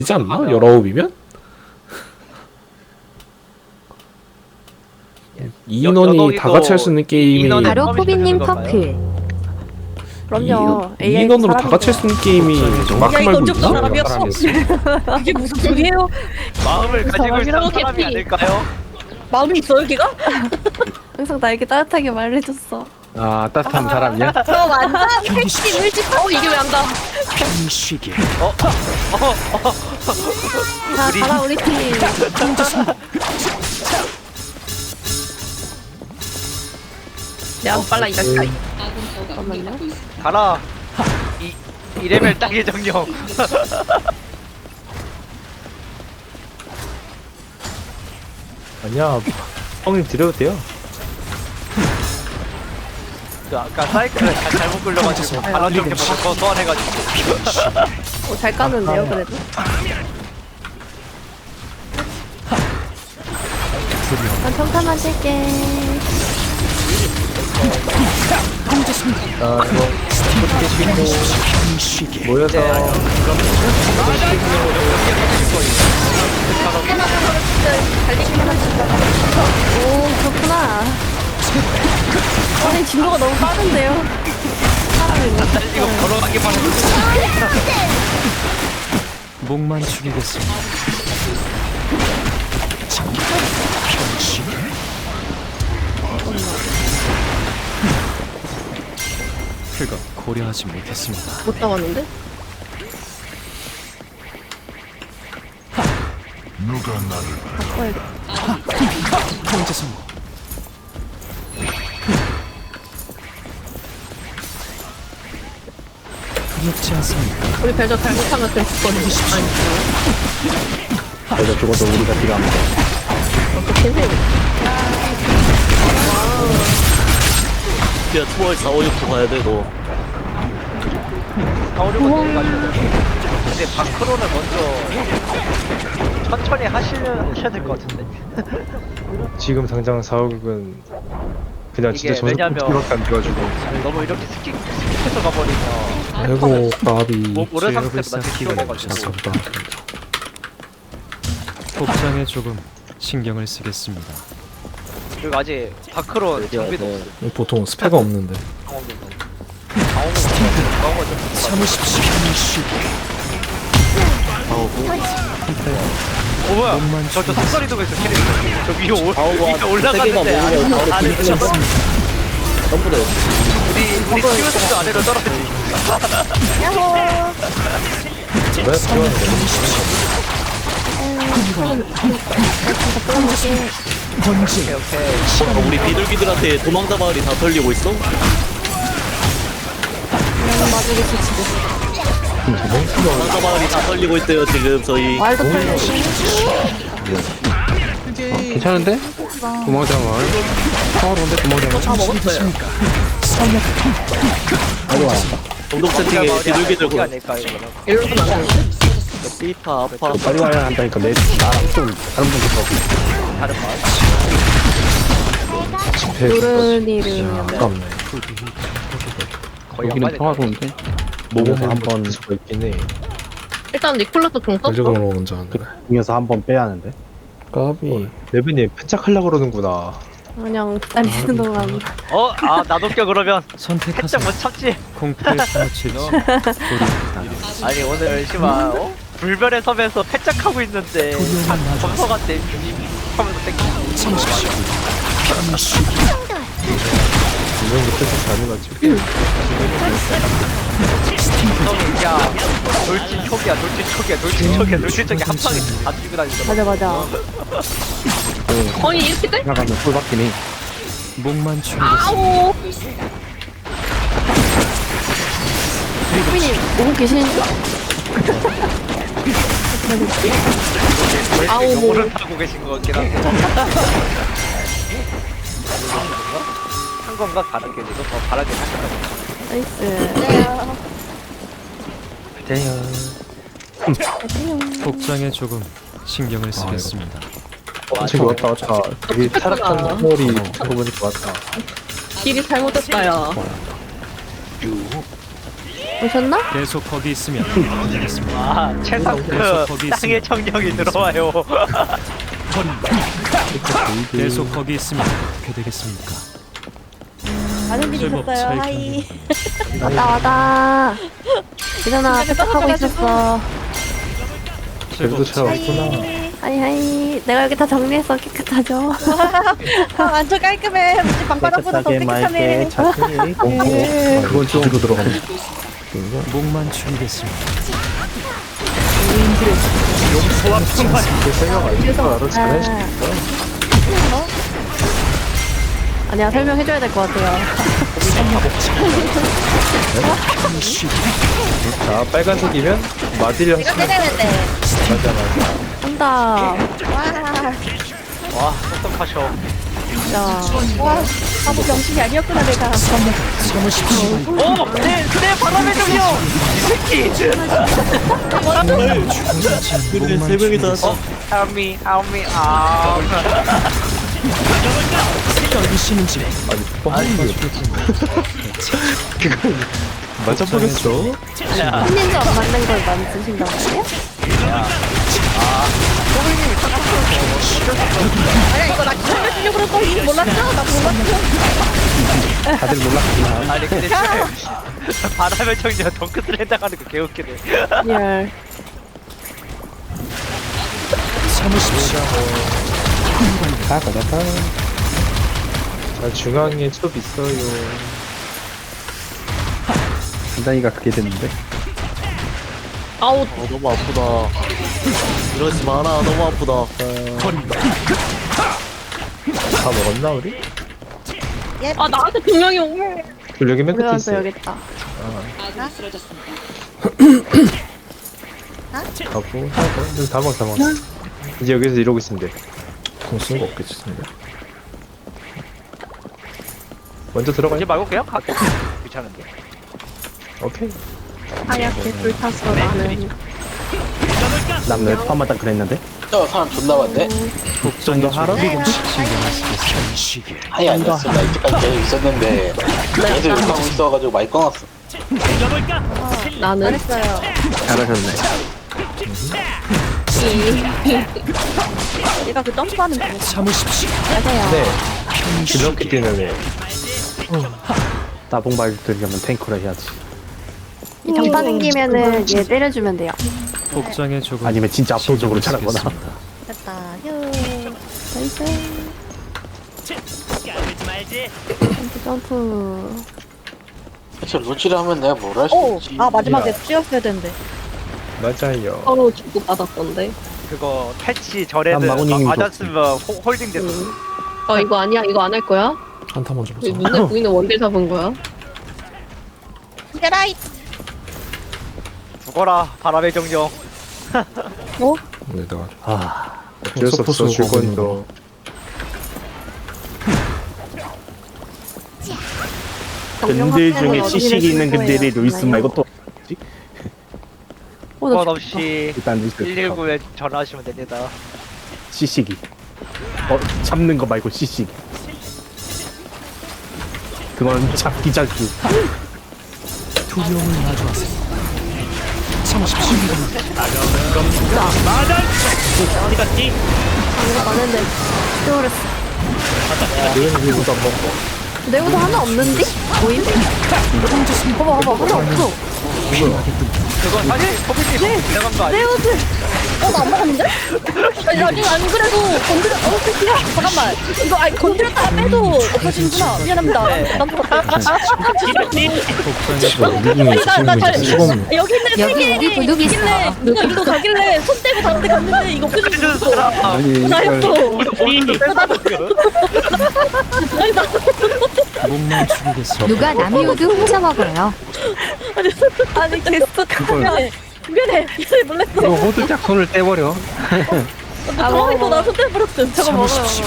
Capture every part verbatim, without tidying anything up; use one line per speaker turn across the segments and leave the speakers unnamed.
되지 않나? 열아홉이면? 이 인원이 다 같이 할 수 있는 게임이
바로
컴퓨터
포비님
되는 건가요?
커플.
그럼요.
이 인원으로 다 같이 할 수 있는 게임이 마크
야, 이거
말고
언제부터
있나?
사람이었어? 그게 무슨 소리예요?
마음을 가지고 있는
사람이라고
사람이
캐피.
아닐까요?
마음이 있어요, 걔가?
항상 나에게 따뜻하게 말해줬어.
아 따뜻한 사람이야?
저 완전 택시 물집. 어, 이게 왜 안 가?
편식이
자,
우리-
가라 우리 팀.
야, 빨라 이 자식아.
잠깐만요.
가라. 이 이레벨 땅의 정령.
아니야 형님 드려도 돼요.
그 아까 사이클을 잘- 잘못 끌려가지고 발언 정리 보고 소환해가지고.
어, 잘 까는데요, 그래도. 난 평타만 칠게.
아 이거 모여서
오, 그렇구나. 아니, 진도가 너무 빠른데요?
이거 걸어가기만 해도
목만 죽이겠습니다. 그거 고려하지 못했습니다.
못 잡았는데?
통제 성공. 두렵지 않습니다.
우리 별저 잘못하면 될 거는 아니.
내가 죽어도 우리가 필요합니다.
어떻게 해?
야, 투월 사, 오, 육도 가야 돼, 너.
가오려고 내가지고. 근데 바크로는 먼저 천천히 하시려 하셔야 될 것 같은데.
지금 당장 사옥은 그냥
이게
진짜 저속
왜냐면-
밖에 안 돼가지고
너무 이렇게 스킵 스킵해서 가버리면
아이고 까비.
뭐 오래
제압을
상태보다
쌓기가
키워내가지고.
아깝다.
복장에 조금 신경을 쓰겠습니다.
그리고 아직 바크로 장비도
네.
없어.
보통 스펙가 없는데.
강원도 강원도 강원도 좀
참으십시오.
어 뭐야? 저저 삭설이도 있어 캐릭터. 저 위에 올
아우가
위에
세 개만
올라갔는데
모으면
아래
바로
아래
뒤집어
저
전부 다
우리 우리 키워스도 아래로 떨어지.
왜 필요한
오케이 오케이.
어, 우리 비둘기들한테 도망다 마을이 다 털리고 있어? 도망다 마을이 다 털리고 있대요 지금 저희.
말도 풀리고.
괜찮은데? 도망자 마을. 평화로운데 도망자 마을.
다 먹었어요.
공동 채팅에 비둘기들
거기
고
아닐까 이거는.
일로는 안 가는데?
삐파 아파.
빨리 와야 한다니까 내 나랑 좀 다른 분들
다른 마을.
집회
노른이를.
아깝네.
거의
여기는
안
평화로운데
모험을
한번 수가 있긴 해.
일단 니콜라스 종 썼어.
전적으로 먼저 하네.
중에서 한번 빼야 하는데.
까비.
레빈이 패착하려고 그러는구나.
그냥 기다리는 동안.
어? 아 나도 껴 그러면
선택하세요.
살짝 못 참지.
공포의 사무칠지 우리
아니 오늘 심한 어? 불변의 섬에서 패짝하고 있는데 검서한테 하면서 땡기.
이런 거 패착 잘해가지고.
야 돌진 촉이야 돌진 촉이야 돌진 촉이야 돌진 촉이 한 방에 다 죽이고 다니잖아.
맞아, 맞아.
아니 이렇게 돼?
나가면 꿀 받긴 해.
목만 죽이겠습니다.
아오.
포비님, 오고 계시는지?
아우
아우, 뭐.
오를 타고 계신 것 같긴 한데. 한 건가 가는 게 이거 더 바라게 하셨다.
나이스.
복장에 조금 신경을 쓰겠습니다.
어, 저기 왔다 왔다. 여기 타락한 스몰이 그거 보니까 왔다.
길이 잘못됐다 야.
오셨나?
계속 거기 있으면 안 되겠습니다.
아 최상급
계속 거기
땅의
있으면
청력이 들어와요.
계속 거기 있으면 어떻게 되겠습니까?
많은 일이
제법
있었어요.
잘
하이.
왔다 왔다. 예전아 세탁하고 있었어.
그래도 잘
하이.
왔구나.
하이 하이. 내가 여기 다 정리했어. 깨끗하죠?
아, 완전 깔끔해. 우리 방바닥보다 더 깨끗하네.
자세히. 어, 그건 좀 뒤로 들어가면.
목만 축이겠습니다.
아. 아니야 설명해줘야 될 것 같아요.
자, 빨간색이면 마딜
이거 때리는데.
맞아, 맞아.
한다.
와.
와 똑똑하셔.
진짜.
와. 바보 병신이 아니었구나 내가.
오! 내, 내 바람의 정령! 이 새끼!
그래 세 명이 다
어? Help me, help me, 아.
떨리시는지
맞아 보겠어.
혼인지 안 맞는 걸 만드신단 말이야?
아니야 이거 나 살려주려고 그럴 거 이미 몰랐죠? 나 몰랐죠?
다들 몰랐구나.
아니 근데 진짜 바람의 정령 덩크스를 당하는 거 개웃기네.
열.
참으십시오.
가가 가가. 자, 중앙에 첩 있어요. 단단히가 그게 됐는데.
아우
어, 너무 아프다. 이러지 마라. 너무 아프다.
다 먹었나 우리?
아 나한테 분명히 오면
우리 여기 맨 끝에
올라와서
있어.
여기 있다.
가고 하고 이제 다 먹어 다 먹어. 이제 여기서 이러고 있으면 돼.
공쓴 거 없겠지 근데.
먼저 들어가.
이제 말고 그냥 갈게. 귀찮은데.
오케이.
하얗게 불탔어 나는.
남내 파마 딱 그랬는데.
저 사람 존나 많네?
좀더 하러?
신경을 쓰겠습니다.
아니 아니었어. 나 이때까지 계속 있었는데 계속 욕하고 있어가지고 많이 꺼놨어.
나는
잘했어요.
잘하셨네.
얘가 그 점프하는 거.
참으십시오.
맞아요.
네. 이렇게 뛰는 나봉 발들려면 탱커를 해야지.
이 장판 생기면은 얘 때려주면 돼요.
복장에 조금
아니면 진짜 압도적으로
신경을
잘하거나.
쓰겠습니다.
됐다. 휴.
나이스. 점프 점프.
대체 루치를 하면 내가 뭘 할 수
오.
있지?
아 마지막에 찌었어야 되는데.
맞아요.
서로 주고 받았던데.
그거 패치 전에는
난 마구님이
마- 맞았으면 호, 홀딩 됐어.
어 이거 아니야 이거 안 할 거야?
한타 먼저 보자.
눈에 보이는 원딜 잡은 거야?
게라이.
죽어라 바람의 정령.
근데 내가
아, 어쩔 수 없어. 줄 건 더. 근들 중에 시식이 있는 근들이 루이스 말고 또
어,
그건
나
없이
일단 루이스
일일구에 전화하시면 됩니다.
시식이. 어, 잡는 거 말고 시식이. 그건 잡기 잡기.
두려움을 마주하세요. 참으십시오.
어디 갔지?
이거 많은데 스토레스.
너는 이거도 안 먹고.
내구도 하나 없는데? 뭐임? 봐봐 봐봐 하나 없어.
그건 사실 소비님 지나간 거 아니야?
내구들.
어나 안 먹었는데? 아니 아니 안 그래도 건드려. 어 새끼야. 잠깐만. 이거 아니 건드렸다가 빼도 없어지는구나. 미안합니다. 난 먹었다.
복장에 조금
미국에
나 잘-
있으면 수가 없네.
여기 있네 세
여기
개.
우리 근육이 있어.
있길래 여기로 가길래 손 떼고 다른 데 갔는데 이거
해준
없어지는
사람.
아니,
나였어.
본인도 뺏어놨어.
목만 축이겠습니다.
누가 남의 우드 훔쳐 먹어요.
아니 계속 미안해. 미안해. 이제 몰랐어.
이거 호들짝 손을 떼버려.
아,
가만히
먹어.
나 손 떼버렸음.
저거 먹어요.
참으십시오.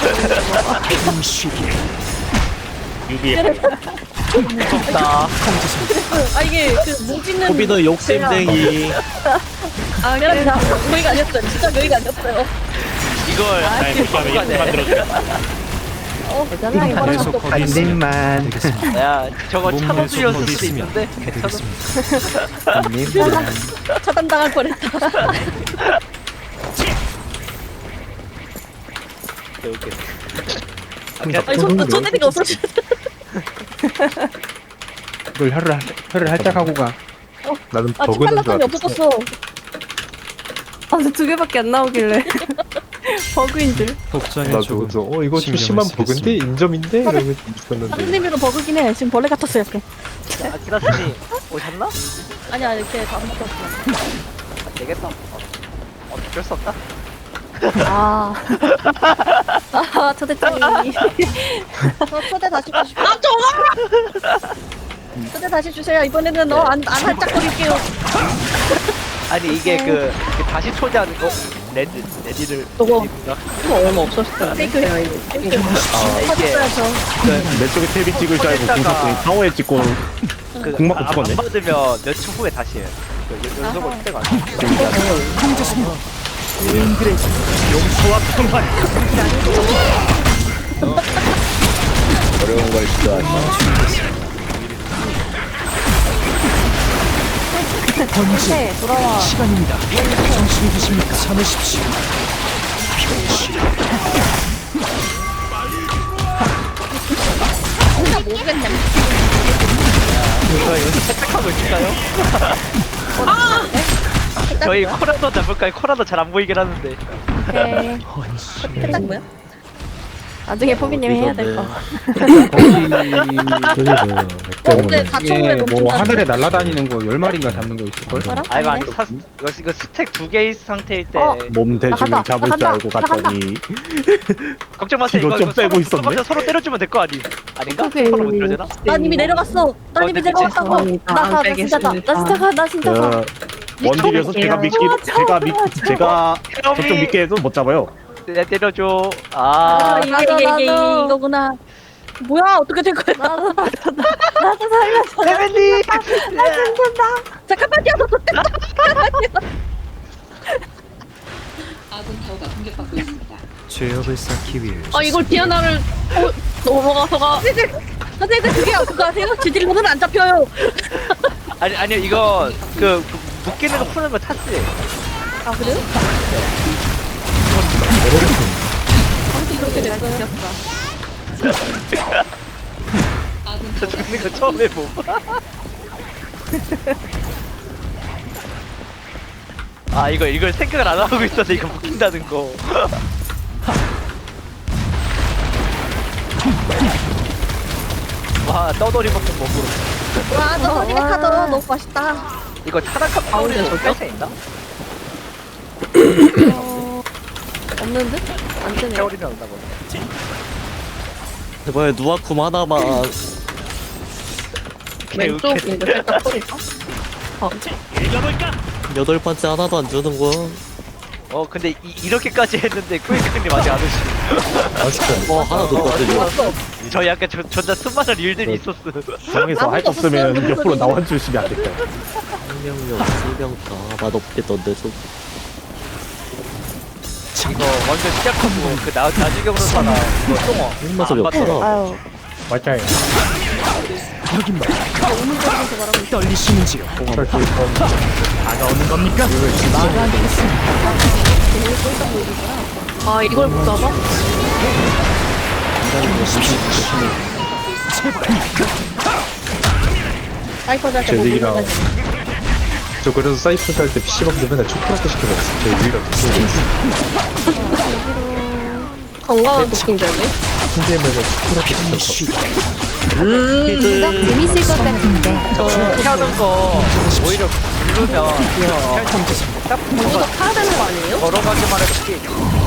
음식이
무섭다.
아 이게 그 뭉치는.
호비너 욕심쟁이.
아 미안합니다. 여기가 아니었어요. 진짜 여기가 아니었어요.
이걸 잘 못하면 만들어줘.
대단하게
계속
걸어놨어.
거기
한
있으면
입만.
되겠습니다.
야 저거
몸
차도
내서
줄였을
거기
수도
있으면
있는데.
해드리겠습니다.
한 입만.
차단당할 뻔했다.
이렇게.
아니 손 손대니까 없어져.
이걸 혀를 혀를 살짝 하고 가. 나는
아
버그는 줄
치팔라감이
알았어.
없어졌어.
아, 근데 두 개밖에 안 나오길래. 버그인 줄.
복장에
나도
조금
그래서 어 이거 좀
신경을
심한
쓰겠습니다.
버그인데 인점인데 이러고 있었는데.
선생님으로 버그긴 해. 지금 벌레 같았어 약간.
아키라스님 오셨나?
아니야 이렇게 다섯 개 없어.
안 되겠다. 어, 어쩔 수 없다.
아. 아, 초대장이.
저 초대 다시 주시고. 아 좋아. 초대 다시 주세요. 이번에는 너안안 할짝거릴게요.
아니 이게
네.
그, 그 다시 초대하는 거 레드 레디를
저거.
레디인가?
이거 얼마 없었을 텐데.
페이크
제가 이거.
아 이게
하셨어야죠.
내 쪽에 탭이 찍을 줄 알고
초대했다가
공사에 타워에 찍고
그
공 맞고
안-
죽었네.
안 받으면 몇 초 후에 다시 해요. 그 연- 연속으로
아하.
초대가 안 돼.
어려운 걸 시도하지.
네, 돌아와.
시간입니다. 정신이 드십니까? 참으십시오.
진짜 모르겠네.
이거 여기서 채택하고 있을까요? 저희 코라도 잡을까요? 코라도 잘 안 보이긴 하는데.
오케이.
살짝 뭐야?
나중에 포비님 해야 될 거.
근데 다 처음에
이게 뭐
멈춘다.
하늘에 날아다니는 거 열 마리인가 잡는 거 있을걸?
뭐라?
아 이거 아니
아니네.
사, 이거, 이거 스택 두 개의 상태일 때
어.
몸 대주면
나간다,
잡을 줄
나간다,
알고 갔더니
걱정 마세요.
이거
이거,
좀
이거
빼고
서로,
있었네?
서로, 서로 때려주면 될 거 아니? 아닌가?
오케이.
서로 못 때려주나?
난 이미 내려갔어. 난 이미
근데
내려갔다고.
죄송합니다.
나
안
가. 나 진짜 가.
나 진짜 가, 나 진짜 가.
그 원딜이어서 제가 믿기 제가 믿 제가 저쪽 믿게 해도 못 잡아요.
내 때려줘.
아,
아,
이게
나도,
이게 이게
나도.
이거구나. 뭐야 어떻게 된 거야?
나도, 나도, 나도 살려줘.
레벨리.
나 힘든다.
잠깐만요.
죄업을 쌓기 위해
아 이걸 디아나를 어, 넘어가서가.
선생님 그게 그거 아세요? 지질로는 안 잡혀요.
아니 아니요 이거 그, 그 묶이는 거 푸는 거 탔지.
아 그래요?
그렇게 됐어요.
저 죽는 거 처음 해보. 아 이거 이걸 생각을 안 하고 있어서 이거 묶인다는 거. 와 떠돌이 볶음 먹으러.
와 너무 어디가 타도 너무 맛있다.
이거 타락한 파운드에서 뺄수 있나?
어, 없는 듯? 안 뜨네.
세월이면 온다고.
제발 누아쿰 하나만.
왼쪽인데 살짝 소리가.
여덟 번째 하나도 안 주는 거.
어 근데 이, 이렇게까지 했는데 꾸이크님 아직 안 오시.
어 하나 줬거든요.
저 약간 저, 존나 수많은 일들이 있었어.
중앙에서 할 거 없으면 옆으로 나와 주시면 안 될까요?
생명력 생명다 맛없겠던데 좀.
이거 완전 시작하고 그 나, 나주경으로 사나 이거 똥어.
힘맛이
안
없잖아.
봤더라.
아유.
맞아요.
여긴말 떨리시는지요? 다가오는 겁니까?
아 이걸 못 잡아?
사이퍼즈한테 뭐
제lik이랑
물어가지고.
저 그래서 사이프스 할 때 피시방도 맨날 초콜릿 시켜먹었어. 제 유일한
건강한 도킹제네.
팀게임에서 초콜릿 시켜먹었어.
진짜 재밌을 것 같은데.
저 피하는 거 오히려 누르면 딱
이거
붙어가
타야 되는 거 아니에요?
걸어가기만 해도 피해.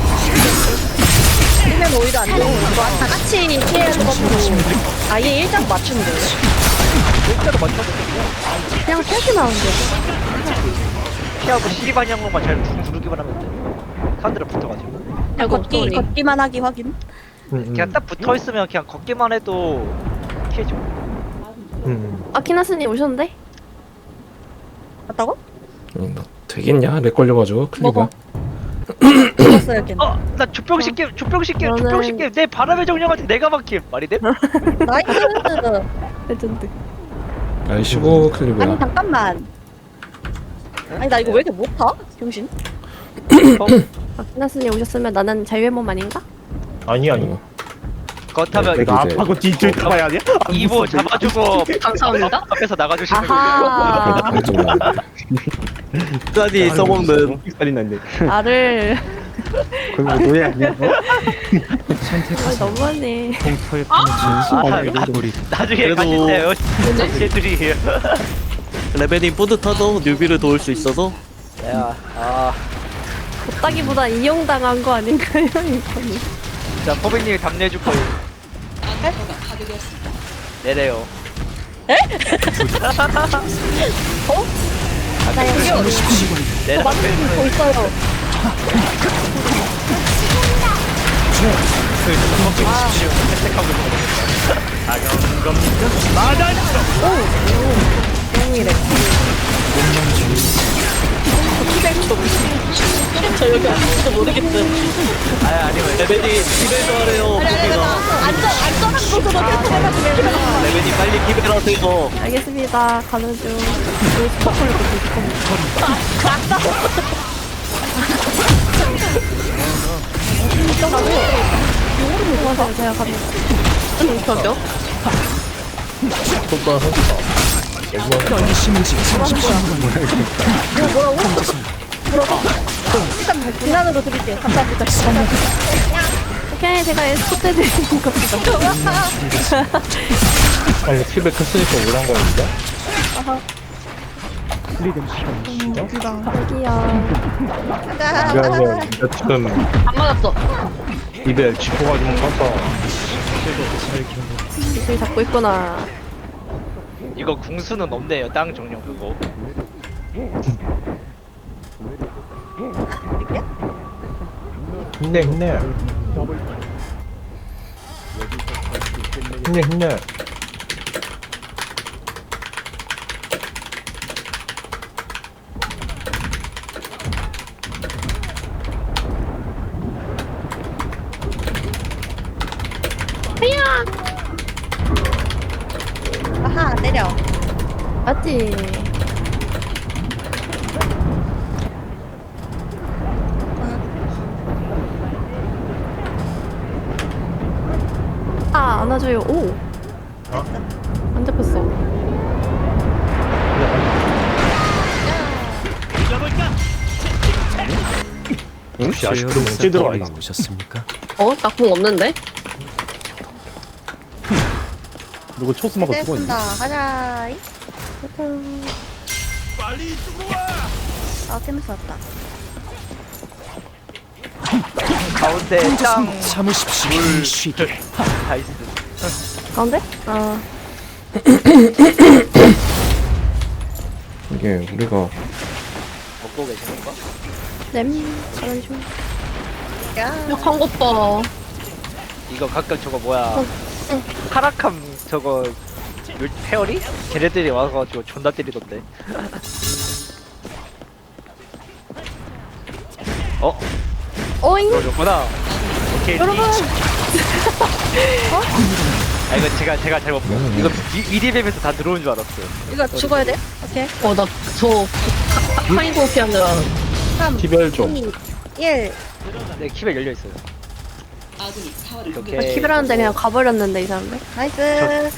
그러면 오히려 안 되고 이거 다 같이 피해야 되거든요. 아예 일장 맞추면 돼요.
일자로 맞춰도
그냥 펴기만 하면 돼.
피하고 C 방향으로만 잘 누르기만 하면 돼. 카드를 붙어가지고.
그냥 걷기
소리.
걷기만 하기 확인.
그냥 딱 붙어 있으면 그냥 걷기만 해도 피해줘.
아키나스님 오셨는데?
맞다고?
음, 너 되겠냐? 렉 걸려가지고 클리가.
먹어.
죽었어요 걔는.
어, 나 주병 시킴, 주병 시킴,
저는-
주병 시킴. 내 바람의 정령한테 내가 막힘. 말이 돼?
나이스.
레전드.
아이 십오
아니
클립이야.
잠깐만. 아니 나 이거 왜 이렇게 못하? 병신.
어?
아, 키나스님 오셨으면 나는 자유의몸 아닌가?
아니 아니.
어.
그렇다면
이거
나
이제-
아파고 뒤줄 타봐야 아니야?
이보 잡아주고
감사합니다.
앞에서 나가주시는 거예요.
아하.
끝까지 써먹는
살이 났네.
나를
그거 노예 아니야?
아, 너무하네.
공포에
아,
파묻힌
나-
우리
나중에
그래도-
가신대요. 쟤들이.
레벨이 뿌듯하도 뉴비를 도울 수 있어서
야, 아,
걷다기보다 이용당한 거 아닌가요, 이거는?
자 포백님이 답례해줄 거예요. 내래요.
에?
어?
나 여기요.
내
더
답변은
있어요.
그 주먹 주십시오. 혜택하고 있는 거.
다가오는 겁니까? 마단서.
똥이래. 저 여기 아무도 모르겠어요.
아 아니면 레벨
레벨이 기별도 하래요. 고기가
안전 안전한 곳으로 해가지고.
레벨이 빨리 기별하세요.
알겠습니다. 가는 중. 우리 스포콜로 제가 갑니다.
저죠?
연심이지.
일단 비난으로 드릴게요. 감사합니다.
오케이, 제가 에스코트 해드리는 겁니다.
아니 팁을 컸으니까 오란 거였는데?
여기요.
미안해요. 나 지금
안 맞았어.
입에 짚어가 좀 컸어.
저기 잡고 있구나.
이거 궁수는 없네요. 땅 정령 그거.
힘내 힘내. 힘내 힘내.
아하 내려.
맞지? 아, 안아줘요. 오! 안 잡혔어.
역시 아쉽게 문제 들어와 있어.
오셨습니까?
어? 나 공 없는데?
누구 초스마가 죽어 있네.
가자.
빨리 들어와.
아 깨면서 왔다.
가운데 땅
참으십시오. 쉬게.
다이스.
가운데? 아,
이게 우리가
먹고 계시는 거?
냄. 가는 중.
약한 것 봐.
이거 가끔 저거 뭐야? 카라캄 저거 물- 페어리? 걔네들이 와가지고 존나 때리던데. 어?
어잉!
그거구나. 오케이.
여러분!
아 이거 제가 제가 잘못
음.
이거 미디맵에서 다 들어온 줄 알았어요.
이거 죽어야 돼? 오케이.
어, 나 저 파이고 피하느라.
삼,
기별 좀.
이, 일.
네 키벨 열려 있어요.
아,
이렇게
키베라는데 그냥 가버렸는데, 이 사람들.
나이스.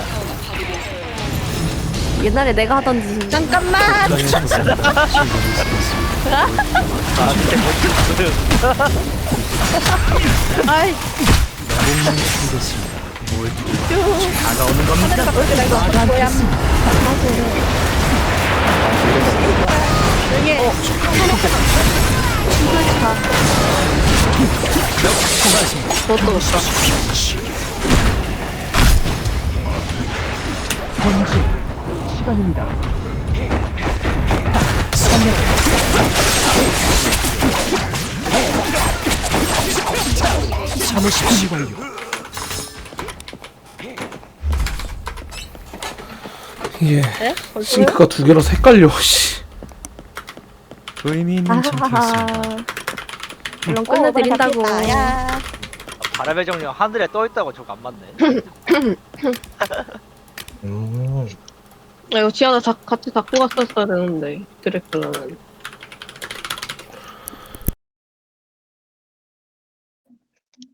옛날에 내가 하던 짓인데.
잠깐만.
아 근데 뭐지?
아이.
몸만 준비됐습니다. 뭘 다가오는 겁니까?
뭐야? 여기.
그것도
시간입니다. 참으십시오. 완료.
이게
네?
싱크가 두 개라서 헷갈려. 씨.
의미 있는
아하하.
전투였습니다.
물론 끝내드린다고.
야.
바람의 정령 하늘에 떠 있다고 저거 안 맞네.
아, 이거 지하나 자, 같이 잡고 갔었어야 되는데, 드래클라는.